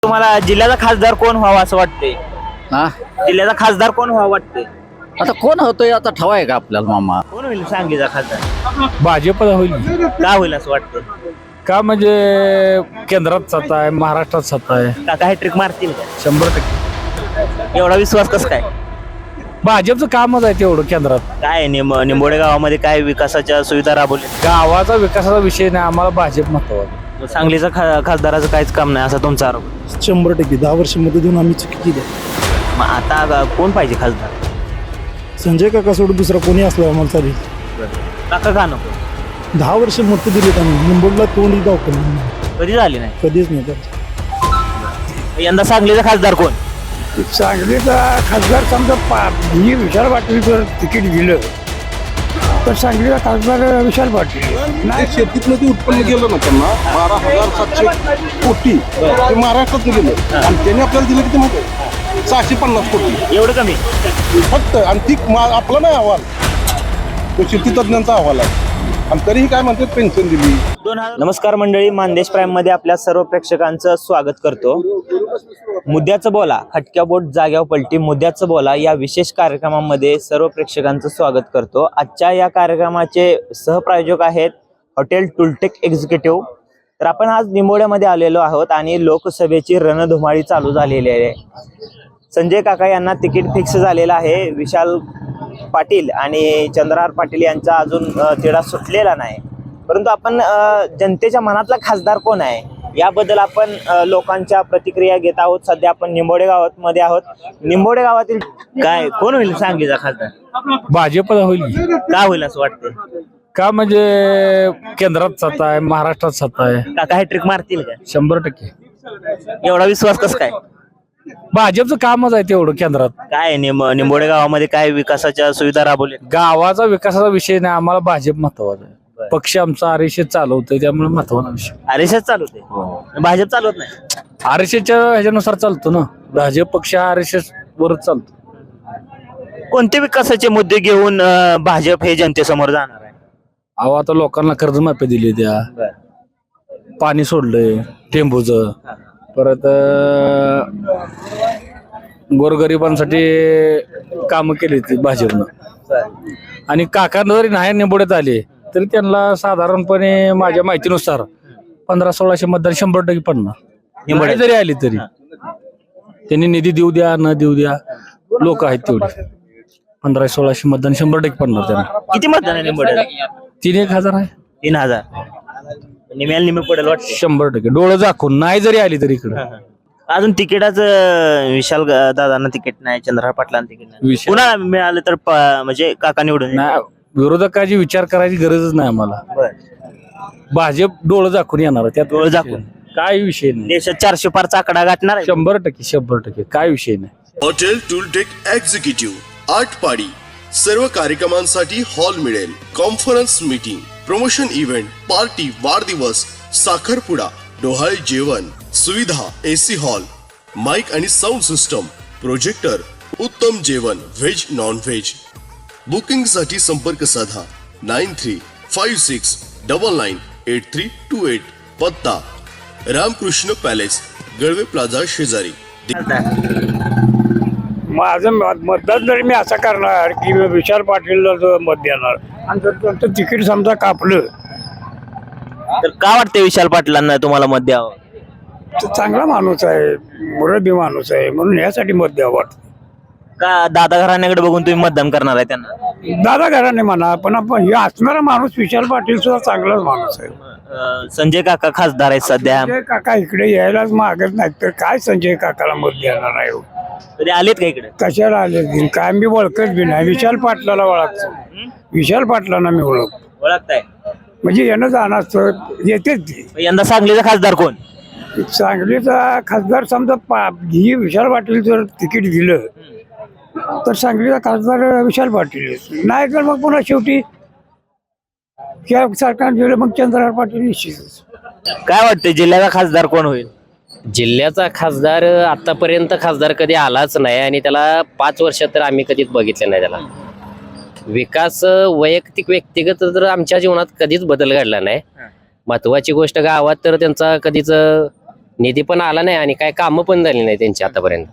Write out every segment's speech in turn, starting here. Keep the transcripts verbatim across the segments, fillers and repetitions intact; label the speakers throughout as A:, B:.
A: तुम्हाला जिल्ह्याचा खासदार कोण व्हावा असं वाटतंय?
B: हा
A: जिल्ह्याचा खासदार कोण व्हावा वाटतंय?
B: आता कोण होतोय आता ठवाय का आपल्याला मामा?
A: कोण होईल सांगलीचा खासदार?
C: भाजप होईल
A: का होईल असं वाटतं?
C: का म्हणजे केंद्रात सत्ता आहे, महाराष्ट्रात सत्ता आहे.
A: काका हे ट्रिक मारतील का?
C: शंभर टक्के
A: एवढा विश्वास कसं काय?
C: भाजपचं कामच आहे तेवढं केंद्रात.
A: काय निंब निंबोडे गावामध्ये काय विकासाच्या सुविधा राबवल्या?
C: गावाचा विकासाचा विषय नाही, आम्हाला भाजप महत्वाचं.
A: सांगलीचा खा खासदाराचं काहीच काम नाही असा तुमचा आरोप.
D: शंभर टक्के दहा वर्ष मध्ये देऊन आम्ही चुकी केली आहे.
A: मग आता कोण पाहिजे खासदार?
D: संजय काका सोडून दुसरा कोणी असला आम्हाला चालेल.
A: काका का नको?
D: दहा वर्ष मत दिलीत आम्ही मुंबईला तोंड दाखवलं
A: कधी झाली नाही.
D: कधीच नाही तर.
A: यंदा सांगलीचा खासदार कोण?
E: सांगलीचा खासदार समजा पा ही विशाल पाटील जर तिकीट दिलं तर सांगलीचा खासदार विशाल पाटील
F: नाही. शेतीतलं ते उत्पन्न गेलं ना त्यांना बारा हजार सातशे कोटी ते महाराष्ट्रात गेलं आणि त्यांनी आपल्याला दिलं किती माहिती? सहाशे पन्नास कोटी
A: एवढं कमी?
F: फक्त. आणि ती मा- आपला नाही अहवाल, तो शेती तज्ञांचा अहवाल आहे. आणि तरीही काय म्हणतात पेन्शन दिली.
A: नमस्कार मंडळी, मानदेश प्राईम मध्ये आपल्या सर्व प्रेक्षकांचं स्वागत करतो. मुद्द्याचं बोला, खटक्या बोट जाग्यावर पलटी, मुद्द्याचं बोला या विशेष कार्यक्रमामध्ये सर्व प्रेक्षकांचं स्वागत करतो. आजच्या या कार्यक्रमाचे सहप्रायोजक आहेत हॉटेल टुलटेक एक्झिक्युटिव्ह. तर आपण आज निंबोड्यामध्ये आलेलो आहोत आणि लोकसभेची रणधुमाळी चालू झालेली आहे. संजय काका यांना तिकीट फिक्स झालेलं आहे. विशाल पाटील आणि चंद्रहार पाटील यांचा अजून तिढा सुटलेला नाही. परंतु आपण जनतेच्या मनातला खासदार कोण आहे याबद्दल आपण लोकांच्या प्रतिक्रिया घेत आहोत. सध्या आपण निंबोडे गावात मध्ये आहोत. निंबोडे गावातील काय कोण होईल सांगलीचा खासदार?
C: भाजप होईल.
A: का होईल असं वाटतं?
C: का म्हणजे केंद्रात सत्ता आहे, महाराष्ट्रात सत्ता आहे.
A: काका हे ट्रिक मारतील का?
C: शंभर टक्के
A: एवढा विश्वास कसं काय?
C: भाजपचं कामच आहे तेवढं केंद्रात.
A: काय निंब निंबोडे गावामध्ये काय विकासाच्या सुविधा राबवल्या?
C: गावाचा विकासाचा विषय नाही, आम्हाला भाजप महत्वाचा आहे. पक्ष आमचा आरएसएस चालवतोय त्यामुळे महत्वाचा विषय.
A: आरएसएस चालवते, भाजप चालवत नाही.
C: आरएसएसच्या ह्याच्यानुसार चालतो ना, भाजप पक्ष आरएसएस वरच चालतो.
A: कोणते विकासाचे मुद्दे घेऊन अं, भाजप हे जनतेसमोर जाणार आहे?
C: अहो आता लोकांना कर्जमाफी दिली, त्या पाणी सोडलंय टेंबूच, परत गोरगरिबांसाठी कामं केली ती भाजपनं. आणि काकांना जरी नाही निंबोड्यात आले तरी त्यांना साधारणपणे माझ्या माहितीनुसार पंधरा सोळाशे मतदान शंभर टक्के पडणार. निंबोड्यात जरी आली तरी त्यांनी निधी देऊ द्या न देऊ द्या, लोक आहेत तेवढे. पंधरा सोळाशे मतदान शंभर टक्के पडणार त्यांना.
A: किती मतदान आहे निंबोड्यात?
C: तीन एक हजार आहे.
A: तीन हजार निम्याला निम्मे पडेल वाटते.
C: शंभर टक्के डोळं झाकून नाही जरी आली तरी इकडे.
A: अजून तिकिटाचं विशाल ग- दादांना तिकीट नाही, चंद्रहार पाटलांना तिकीट नाही.
C: विशाल-
A: कुणाला मिळालं तर प- म्हणजे काका निवडून
C: नाही, विरोधकाची विचार करायची गरजच नाही आम्हाला.
A: बरं.
C: भाजप डोळं झाकून येणार त्यात
A: डोळं झाकून.
C: काय विषय नाही.
A: देशात चारशे पारचा आकडा गाठणार आहे.
C: शंभर टक्के शंभर टक्के काय विषय नाही.
G: हॉटेल टूलटेक एक्झिक्युटिव्ह आठ पाडी. सर्व कार्यक्रमांसाठी हॉल मिळेल. Conference meeting, promotion event, party, वाढदिवस, साखरपुडा, डोहाळे जेवण, सुविधा, एसी हॉल, माइक आणि साऊंड सिस्टम, प्रोजेक्टर, उत्तम जेवण व्हेज नॉन व्हेज. बुकिंग साठी संपर्क साधा nine three five six double nine eight three two eight. पत्ता रामकृष्ण पॅलेस, गळवे प्लाझा शेजारी.
E: माझं मत- मतदान जरी मी असं करणार की विशाल पाटीलला जो मत देणार आणि जर त्यांचं तिकीट समजा कापलं
A: तर का वाटते विशाल पाटलांना तुम्हाला मत द्यावं?
E: तर चांगला माणूस आहे, मुरबी माणूस आहे, म्हणून यासाठी मत द्यावं वाटतं.
A: का दादा घराण्याकडे बघून तुम्ही मतदान करणार आहे त्यांना?
E: दादा घराने म्हणा, पण आपण हे असणारा माणूस विशाल पाटील सुद्धा चांगलाच माणूस आहे.
A: अं, संजय काका खासदार आहेत सध्या.
E: संजय काका इकडे यायलाच मागत नाही तर काय संजय काकाला मत देणार आहे?
A: कधी आलेत का इकडे?
E: कशाला आले बिन काय मी ओळखत बी नाही. विशाल पाटलाला ओळखतो, विशाल पाटलांना मी ओळखतो.
A: ओळखताय
E: म्हणजे येणं जाणं असतं येतेच ती.
A: यंदा सांगलीचा खासदार कोण?
E: सांगलीचा खासदार समजा पा ही विशाल पाटील जर तिकीट दिलं तर सांगलीचा खासदार विशाल पाटील. नाही तर मग पुन्हा शेवटी या सरकार दिलं मग चंद्रहार पाटील निश्चितच.
A: काय वाटतं जिल्ह्याचा खासदार कोण होईल?
H: जिल्ह्याचा खासदार आतापर्यंत खासदार कधी आलाच नाही आणि त्याला पाच वर्षात तर आम्ही कधीच बघितलं नाही. त्याला विकास वैयक्तिक व्यक्तिगत तर आमच्या जीवनात कधीच बदल घडला नाही. महत्वाची गोष्ट गावात तर त्यांचा कधीच निधी पण आला नाही आणि काय कामं पण झाली नाही त्यांची आतापर्यंत.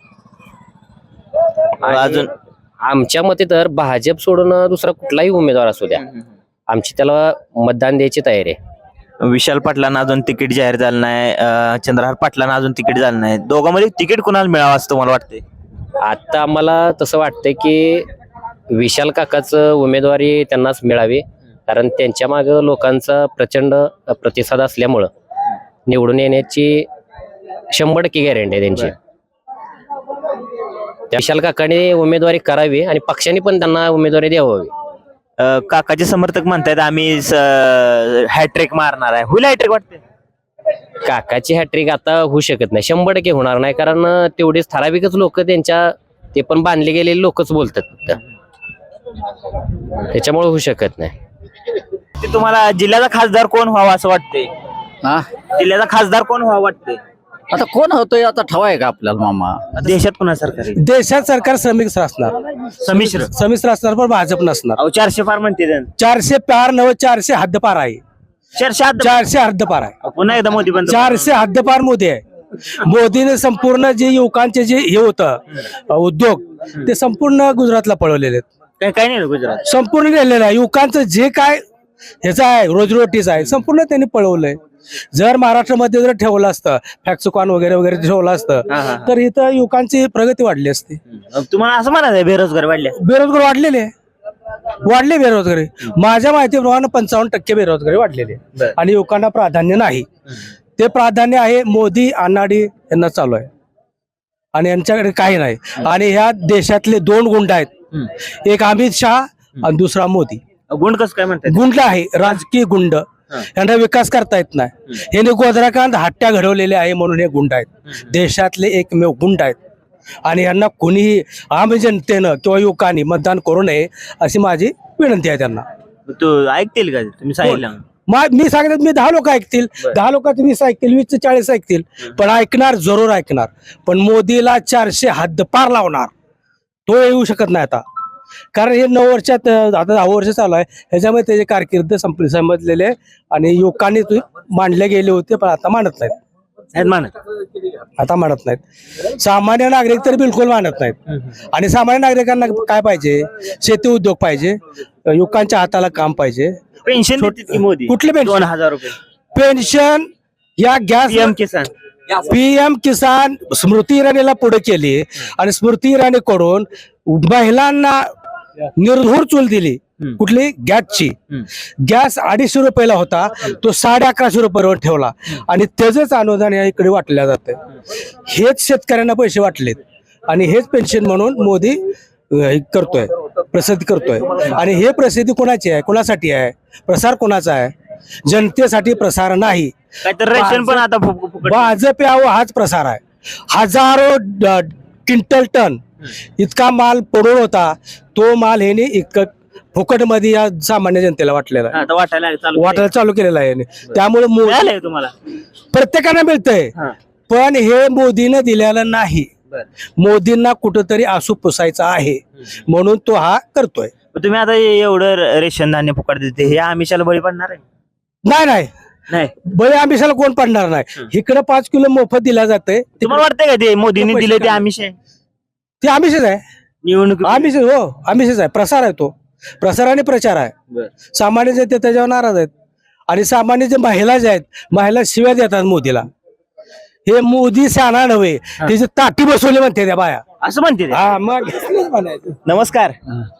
A: अजून
H: आमच्या मते तर भाजप सोडून दुसरा कुठलाही उमेदवार असू द्या, आमची त्याला मतदान द्यायची तयारी आहे.
A: विशाल पाटलांना अजून तिकीट जाहीर झालं नाही, अं, चंद्रहार पाटलांना अजून तिकीट झालं नाही. दोघांमध्ये तिकीट कुणाला मिळावं असं तुम्हाला वाटतंय?
H: आता आम्हाला तसं वाटतंय की विशाल काकाचं उमेदवारी त्यांनाच मिळावी, कारण त्यांच्या मागं लोकांचा प्रचंड प्रतिसाद असल्यामुळं निवडून येण्याची शंभर टक्के गॅरंटी आहे त्यांची. त्या विशाल काकाने उमेदवारी करावी आणि पक्षाने पण त्यांना उमेदवारी द्यावी.
A: अं, काकाचे समर्थक म्हणतात आम्ही हॅट्रिक मारणार आहे. होईल हॅट्रिक वाटते?
H: काकाची हॅट्रिक आता होऊ शकत नाही, शंभर टक्के होणार नाही, कारण तेवढेच ठराविकच लोक त्यांच्या, ते पण बांधले गेलेले लोकच बोलतात फक्त, त्याच्यामुळे होऊ शकत नाही.
A: ते तुम्हाला जिल्ह्याचा खासदार कोण व्हावा असं वाटतंय?
B: हा
A: जिल्ह्याचा खासदार कोण व्हावा वाटतंय?
B: आता कोण होतोय आता ठवाय का आपल्याला मामा?
A: देशात पुन्हा सरकार येईल.
D: देशात सरकार श्रमिक असणार,
A: संमिश्र
D: संमिश्र असणार, पण भाजप नसणार.
A: अहो चारशे फार म्हणते जण.
D: चारशे पार नव चारशे हद्दपार आहे.
A: चारशे आत-
D: चारशे हद्दपार आहे.
A: पुन्हा एकदा मोदी पण
D: चारशे हद्दपार मोदी आहे. मोदीने संपूर्ण जे युवकांचे जे हे होतं उद्योग, ते संपूर्ण गुजरातला पळवलेले आहेत.
A: काय काय नाही गुजरात.
D: संपूर्ण नेलेलं आहे. युवकांचं जे काय ह्याचं आहे, रोजीरोटीचं आहे, संपूर्ण त्यांनी पळवलंय. जर महाराष्ट्रामध्ये जर ठेवलं असतं फॅक्सुकॉन वगैरे वगैरे ठेवलं असतं,
A: हा, हा.
D: तर इथं युवकांची प्रगती वाढली असती.
A: तुम्हाला असं म्हणायचं बेरोजगार वाढले?
D: बेरोजगार वाढलेले आहे. वाढले बेरोजगारी. माझ्या माहितीप्रमाणे पंचावन्न टक्के बेरोजगारी वाढलेली आहे.
A: बरं.
D: आणि युवकांना प्राधान्य नाही. ते प्राधान्य आहे मोदी अनाडी यांना चालू आहे, आणि यांच्याकडे काही नाही. आणि ह्या देशातले दोन गुंड आहेत, एक अमित शहा आणि दुसरा मोदी.
A: गुंड कसं काय म्हणतात?
D: गुंड आहे, राजकीय गुंड. यांना विकास करता येत नाही. यांनी गोधराकांत हट्ट्या घडवलेल्या आहे म्हणून हे गुंड आहेत. देशातले एकमेव गुंड आहेत. आणि यांना कोणीही आम जनतेनं किंवा युवकांनी मतदान करू नये अशी माझी विनंती आहे त्यांना.
A: तू ऐकतील का तुम्ही सांगितलं?
D: मा- मी सांगत मी दहा लोक ऐकतील, दहा लोकांचं वीस ऐकतील, वीस चाळीस ऐकतील, पण ऐकणार जरूर ऐकणार. पण मोदीला चारशे हद्दपार लावणार तो येऊ शकत नाही आता, कारण हे नऊ वर्षात आता दहा वर्ष चालू आहे. ह्याच्यामध्ये त्याचे कारकीर्द संपली समजलेले आहे. आणि युवकांनी ते मांडले गेले होते, पण आता मानत नाहीत.
A: आहेत मानत.
D: आता मानत नाहीत. सामान्य नागरिक तर बिलकुल मानत नाहीत. आणि सामान्य नागरिकांना काय पाहिजे? शेती उद्योग पाहिजे, युवकांच्या हाताला काम पाहिजे.
A: पेन्शन देतात की मोदी?
D: कुठले पेन्शन?
A: दोन हजार रुपये
D: पेन्शन या gas
A: PM Kisan.
D: PM Kisan Smriti इराणीला पुढे केली, आणि स्मृती इराणीकडून महिलांना निर्धूर चूल दिली. कुठली? गॅसची. गॅस अडीचशे रुपयाला होता, तो साडे अकराशे रुपयावर ठेवला, आणि त्याचंच अनुदान या इकडे वाटल्या जाते. हेच शेतकऱ्यांना पैसे वाटलेत, आणि हेच पेन्शन म्हणून मोदी अं, करतोय, प्रसिद्ध करतोय. आणि हे प्रसिद्धी कोणाची आहे? कोणासाठी आहे? प्रसार कोणाचा आहे? जनतेसाठी प्रसार नाही.
A: काहीतरी रेशन पण आता फु- फु- फुकट.
D: भाजप यावं हाच प्रसार आहे. हजारो ड- क्विंटल टन इतका माल पडून होता, तो माल ह्याने इतकं फुकट मध्ये या सामान्य जनतेला वाटलेला आहे,
A: आता वाटायला चालू
D: वाटायला चालू केलेला आहे. त्यामुळे मोदी
A: मिळालंय तुम्हाला?
D: प्रत्येकाला मिळतंय,
A: हा.
D: पण हे मोदीनं दिलेलं नाही.
A: बरं.
D: मोदींना कुठंतरी आसू पुसायचा आहे, म्हणून तो हा करतोय.
A: पण तुम्ही आता एवढं रेशन धान्य फुकट देते, हे आमिषाला बळी पडणार आहे?
D: नाही नाही
A: नाही.
D: बळी आमिषाला कोण पडणार नाही. इकडे पाच किलो मोफत दिला जाते,
A: तुम्हाला वाटतंय का ते मोदींनी दिले ते आमिष आहे?
D: ते आमिषच आहे.
A: निवडणूक
D: आमिष हो आमिषच आहे. प्रसार आहे तो, प्रसार आणि प्रचार आहे. सामान्य जनते त्याच्यावर नाराज आहेत. आणि सामान्य जे महिला जे आहेत, महिला शिव्या देतात मोदीला. हे मोदी शाना नव्हे, त्याची ताटी बसवली म्हणते त्या बाया.
A: असं म्हणते ते?
D: हा मग म्हणायचं.
A: नमस्कार.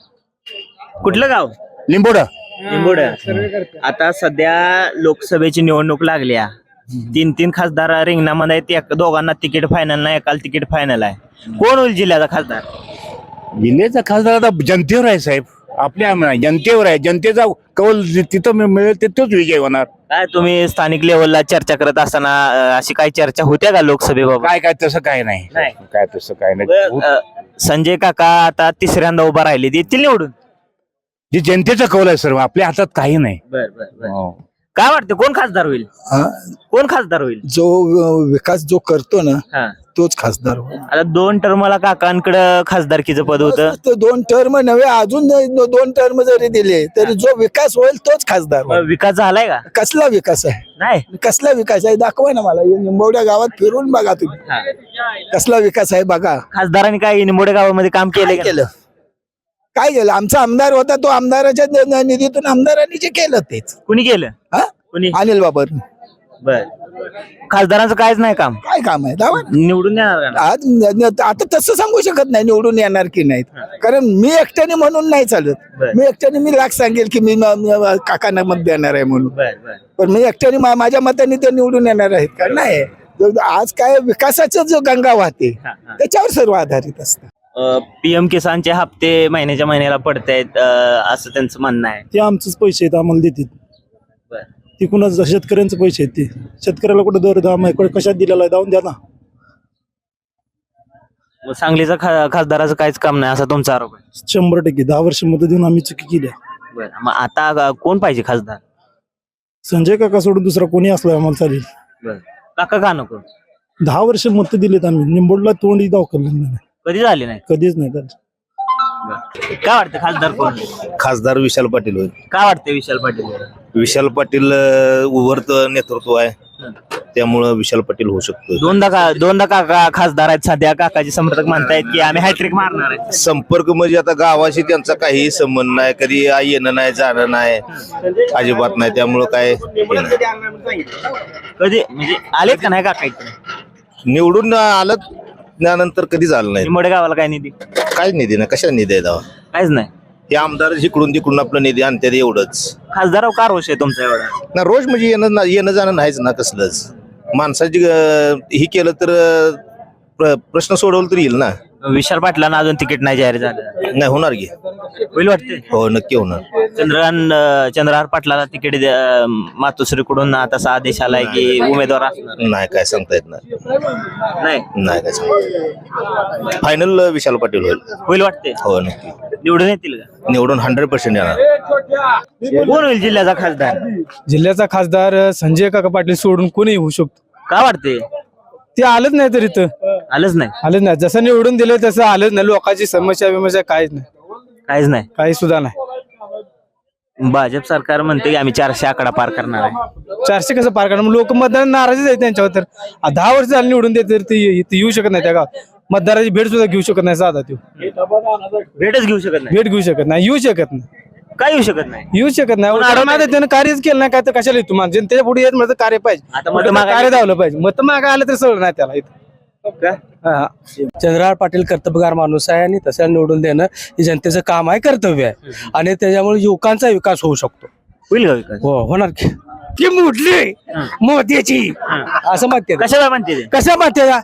A: कुठलं गाव?
B: लिंबोडा.
A: निंबोड. आता सध्या लोकसभेची निवडणूक लागल्या, तीन तीन खासदार रिंगणामध्ये आहेत. एक दोघांना तिकीट फायनल नाही, एकाला तिकीट फायनल आहे. कोण होईल जिल्ह्याचा खासदार?
I: जिल्ह्याचा खासदार आता जनतेवर आहे साहेब, आपल्या जनतेवर आहे. जनतेचा कौल तिथं मिळेल तिथंच विजय होणार.
A: काय तुम्ही स्थानिक लेवलला चर्चा करत असताना अं, अशी काही चर्चा होत्या का लोकसभेबाबत?
I: काय काय तसं काय नाही,
A: नाही.
I: काय तसं काय नाही.
A: बरं, अं, संजय काका आता तिसऱ्यांदा उभा राहिले, येतील निवडून?
I: जे जनतेचा कौल आहे सर्व, आपल्या हातात काही नाही.
A: बर बर
I: हो.
A: काय वाटतं कोण खासदार होईल कोण खासदार होईल
J: जो विकास जो करतो ना
A: हा
J: तोच खासदार होईल.
A: आता दोन टर्मला काकांकडे खासदारकीचं पद होतं
J: तो दोन टर्म नव्हे अजून दो- दोन टर्म जरी दिले तरी जो विकास होईल तोच खासदार होईल.
A: विकास झालाय का
J: कसला विकास आहे
A: नाही
J: कसला विकास आहे दाखवा ना मला या निंबवड्या गावात फिरून बघा तुम्ही कसला विकास आहे बघा.
A: खासदारांनी काय निंबोडे गावामध्ये काम केलंय
J: काय
A: का?
J: केलं काय केलं आमचा आमदार होता तो आमदाराच्या न- न- निधीतून आमदारांनी जे केलं तेच
A: कुणी केलं
J: हा
A: कुणी
J: अनिल बाबर
A: बर खासदारांचं कायच नाही काम
J: काय काम आहे दावा
A: निवडून येणार का?
J: आज न- न- आता तसं सांगू शकत नाही निवडून येणार की नाहीत कारण मी एकट्याने म्हणून नाही चालत.
A: बर.
J: मी एकट्याने मी लाख सांगेल की मी म- म- काकांना मत देणार आहे म्हणून
A: बर बर
J: पण मी एकट्याने मा- माझ्या मताने ते निवडून येणार आहेत का नाही. आज काय विकासाचं जो गंगा वाहते
A: हा, हा.
J: त्याच्यावर सर्व आधारित असतं.
A: पीएम किसानचे हप्ते महिन्याच्या महिन्याला पडतायत असं त्यांचं म्हणणं आहे.
K: ते आमचेच पैसे आहेत आम्हाला देतात
A: बर.
K: ते कुणाचं शेतकऱ्यांचे पैसे आहेत ते शेतकऱ्याला कुठे दर दाम आहे कुठे कशात दिलेला आहे जाऊन द्या ना.
A: मग सांगलीचा खा- खासदाराचं काहीच काम नाही असा तुमचा आरोप आहे.
K: शंभर टक्के दहा वर्ष मध्ये देऊन आम्ही चुकी केल्या.
A: बर मग आता अ, कोण पाहिजे खासदार?
K: संजय काका सोडून दुसरा कोणी असला आम्हाला चालेल.
A: बर काका का नको?
K: दहा वर्ष मत दिलेत आम्ही निंबोडला तोंडी दाखवलेलं नाही
A: कधी झाले नाही.
K: कधीच नाही त्याचं.
A: काय वाटतं खासदार कोण?
I: खासदार विशाल पाटील होईल.
A: काय वाटतं विशाल पाटील?
I: विशाल पाटील उभरत नेतृत्व आहे त्यामुळं विशाल पाटील होऊ शकतो.
A: दोनदा का दोनदा काका खासदार आहेत सध्या काकाचे समर्थक म्हणतायत की आम्ही हॅट्रिक मारणार आहे.
I: संपर्क म्हणजे आता गावाशी त्यांचा काही संबंध नाही कधी येणं नाही जाणं नाही अजिबात नाही त्यामुळं काय हे नाही.
A: कधी म्हणजे आलेत का नाही काका इकडे?
I: निवडून आलं त्यानंतर कधी झालं नाही.
A: निंबोडे गावाला काय निधी?
I: काय निधी नाही कशा निधी आहे दावा
A: काहीच नाही.
I: हे आमदार जिकडून तिकडून आपलं निधी आणतात एवढंच
A: खासदारावर का रोष आहे तुमचा एवढा?
I: ना रोज म्हणजे येणं ना- येणं जाणं नाहीच ना कसलंच माणसाची अं, ही केलं तर अं, प्र- प्रश्न सोडवलं तर येईल ना.
A: विशाल पाटलांना अजून तिकीट नाही जाहीर झालं.
I: नाही होणार की
A: होईल वाटते.
I: हो नक्की होणार.
A: चंद्रकांत अं, चंद्रहार पाटलाला तिकीट द्या- मातोश्रीकडून आता असा आदेश आलाय की उमेदवार असणार
I: नाही काय सांगता येत नाही
A: नाही.
I: नाही काय सांगता फायनल विशाल पाटील होईल.
A: होईल वाटते.
I: हो नक्की
A: निवडून येतील का?
I: निवडून हंड्रेड पर्सेंट येणार.
A: कोण होईल जिल्ह्याचा खासदार?
D: जिल्ह्याचा खासदार संजय काका पाटील सोडून कोणी होऊ शकतो.
A: काय वाटते?
D: ते आलंच नाही तर इथं
A: आलंच नाही.
D: आलंच नाही जसं निवडून दिलं तसं आलंच नाही. लोकांची समस्या बिमस्या काहीच नाही
A: काहीच नाही.
D: काही सुद्धा नाही.
A: भाजप सरकार म्हणते की आम्ही चारशे आकडा पार करणार आहे.
D: चारशे कसं पार करणार लोक मतदार नाराजच आहेत त्यांच्यावर. तर आ, दहा वर्ष झाली निवडून देत तर ते इथं येऊ शकत नाही त्या गावात. मतदाराची भेट सुद्धा घेऊ शकत नाही साधा तो
A: भेटच घेऊ शकत नाही.
D: भेट घेऊ शकत नाही येऊ शकत नाही
A: काय येऊ शकत नाही.
D: येऊ शकत नाही.
A: पण
D: अडवणार आहे, त्यानं कार्यच केलं नाही काय तर कशाला येतो माणूस जनतेच्या पुढे येत म्हणजे कार्य पाहिजे.
A: आता मत
D: म्हटलं
A: मागायला-
D: कार्य धावलं पाहिजे. मत मागा आलं तर सगळं नाही त्याला इथं. हा. चंद्रहार पाटील कर्तव्यगार माणूस आहे आणि तसं निवडून देणं हे जनतेचं काम आहे कर्तव्य आहे आणि त्याच्यामुळे युवकांचा विकास होऊ शकतो.
A: होईल का विकास?
D: हो होणार की ती मुठली मोत्याची असं म्हणते
A: कशाला म्हणते ते?
D: कसं म्हणते का?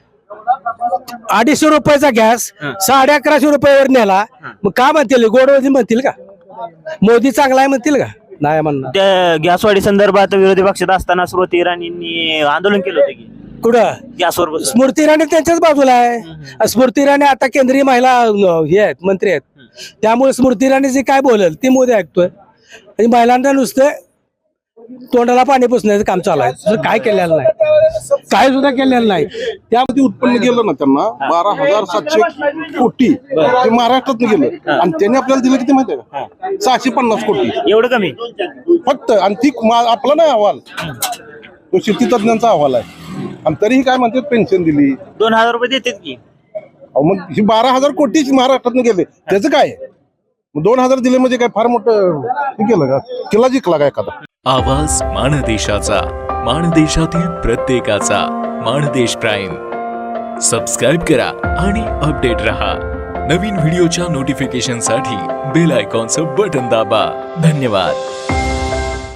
D: अडीचशे रुपयाचा गॅस साडे अकराशे रुपयावर नेला मग का म्हणतील गोडवधी म्हणतील का मोदी चांगला आहे म्हणतील का नाही म्हणणार.
A: त्या गॅसवाढी संदर्भात विरोधी पक्षात असताना स्मृती इराणींनी आंदोलन केलं होतं की
D: कुठं
A: गॅसवर बसून.
D: स्मृती इराणी त्यांच्याच बाजूला आहे. स्मृती इराणी आता केंद्रीय महिला अं, हे आहेत मंत्री आहेत त्यामुळे स्मृती इराणी जे काय बोलेल ते मोदी ऐकतोय आणि महिलांना नुसतं तोंडाला पाणी पुसण्याचं काम चालू आहे. दुसरं काय केलेलं नाही काय सुद्धा केलेलं नाही.
F: त्यामध्ये उत्पन्न गेलं ना त्यांना बारा हजार सातशे कोटी ते महाराष्ट्रात गेलं आणि त्यांनी आपल्याला दिलं किती माहिती आहे का सहाशे पन्नास कोटी
A: एवढं कमी?
F: फक्त आणि ती मा- आपला नाही अहवाल तो शेती तज्ञांचा अहवाल आहे आणि तरीही काय म्हणतात पेन्शन दिली.
A: दोन हजार रुपये देतात की.
F: अहो मग ही बारा हजार कोटी महाराष्ट्रात गेले त्याचं काय मग दोन हजार दिले म्हणजे काय फार मोठं हे केलं का किल्ला जिंकला का एखादा.
L: आवाज माणदेशाचा माणदेशातील प्रत्येकाचा माणदेश प्राईम सबस्क्राईब करा आणि अपडेट रहा. नवीन व्हिडिओच्या नोटिफिकेशनसाठी बेल आयकॉनचं बटन दाबा. धन्यवाद.